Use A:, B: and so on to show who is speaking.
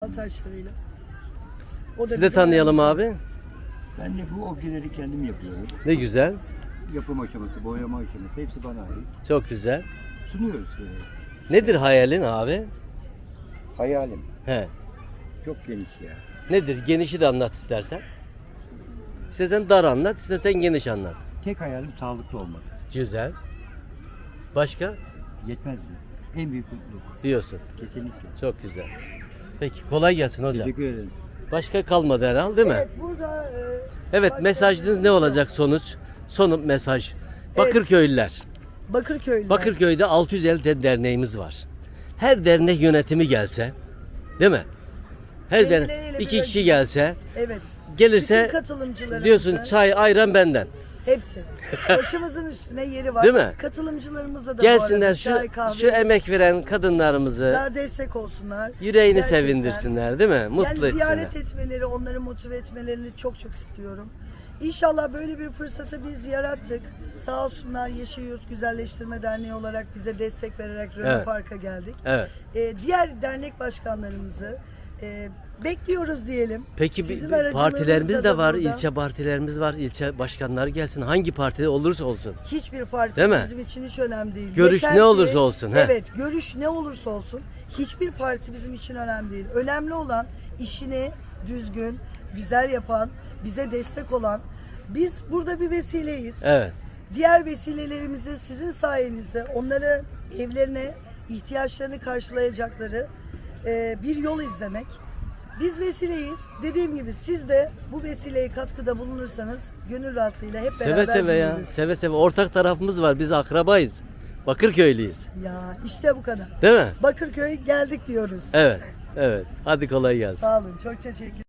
A: taşlarıyla. O da
B: Sizi de
A: bizim
B: tanıyalım
A: aramızda.
B: abi.
C: Ben de bu objeleri kendim yapıyorum.
B: Ne güzel.
C: Yapım aşaması, boyama aşaması hepsi bana ait.
B: Çok güzel.
C: Sunuyoruz.
B: Nedir hayalin abi?
C: Hayalim
B: He.
C: çok geniş ya.
B: Nedir? Genişi de anlat istersen. İstersen dar anlat, istersen geniş anlat.
C: Tek hayalim sağlıklı olmak.
B: Güzel. Başka?
C: Yetmez mi? En büyük mutluluk.
B: Diyorsun.
C: Kesinlikle.
B: Çok güzel. Peki kolay gelsin hocam.
C: Teşekkür ederim.
B: Başka kalmadı herhalde değil mi?
A: Evet, burada
B: Evet,
A: başka
B: mesajınız
A: bir-
B: ne olacak sonuç? Son mesaj. Bakırköylüler.
A: Bakırköy'lüler.
B: Bakırköy'de 650 derneğimiz var. Her dernek yönetimi gelse, değil mi? Her dernek
A: Kendileriyle
B: 2
A: bir
B: kişi
A: araya-
B: gelse,
A: Evet.
B: gelirse
A: Bütün katılımcılarımızın
B: diyorsun çay, ayran benden.
A: hepsi. Başımızın üstüne yeri var.
B: Değil mi?
A: Katılımcılarımıza da bu
B: Gelsinler
A: arada
B: şu
A: çay, kahve,
B: şu emek veren kadınlarımızı
A: daha destek olsunlar.
B: yüreğini
A: Gerçekten.
B: sevindirsinler, değil mi? Mutlu
A: Yani ziyaret
B: etsinler.
A: etmeleri, onları motive etmelerini çok çok istiyorum. İnşallah böyle bir fırsatı biz yarattık. Sağ olsunlar Yeşil Yurt Güzelleştirme Derneği olarak bize destek vererek Röne
B: Evet.
A: Park'a geldik.
B: Evet.
A: Diğer dernek başkanlarımızı bekliyoruz diyelim.
B: Peki
A: Sizin
B: bir
A: aracılığınızla
B: partilerimiz
A: da
B: de var,
A: burada.
B: ilçe partilerimiz var, ilçe başkanları gelsin. Hangi partide olursa olsun.
A: Hiçbir parti
B: Değil mi?
A: bizim için hiç önemli değil.
B: Görüş
A: Yeter
B: ne
A: ki-
B: olursa olsun, he.
A: Evet, görüş ne olursa olsun. Hiçbir parti bizim için önemli değil. Önemli olan işini düzgün, güzel yapan, bize destek olan. Biz burada bir vesileyiz.
B: Evet.
A: Diğer vesilelerimizi sizin sayenizde onları evlerine, ihtiyaçlarını karşılayacakları bir yol izlemek. Biz vesileyiz. Dediğim gibi siz de bu vesileye katkıda bulunursanız gönül rahatlığıyla hep beraber
B: Seve seve ya.
A: büyürüz.
B: Seve seve. Ortak tarafımız var. Biz akrabayız. Bakırköylüyüz.
A: Ya işte bu kadar.
B: Değil mi?
A: Bakırköy geldik diyoruz.
B: Evet. Evet. Hadi kolay gelsin.
A: Sağ olun. Çok teşekkür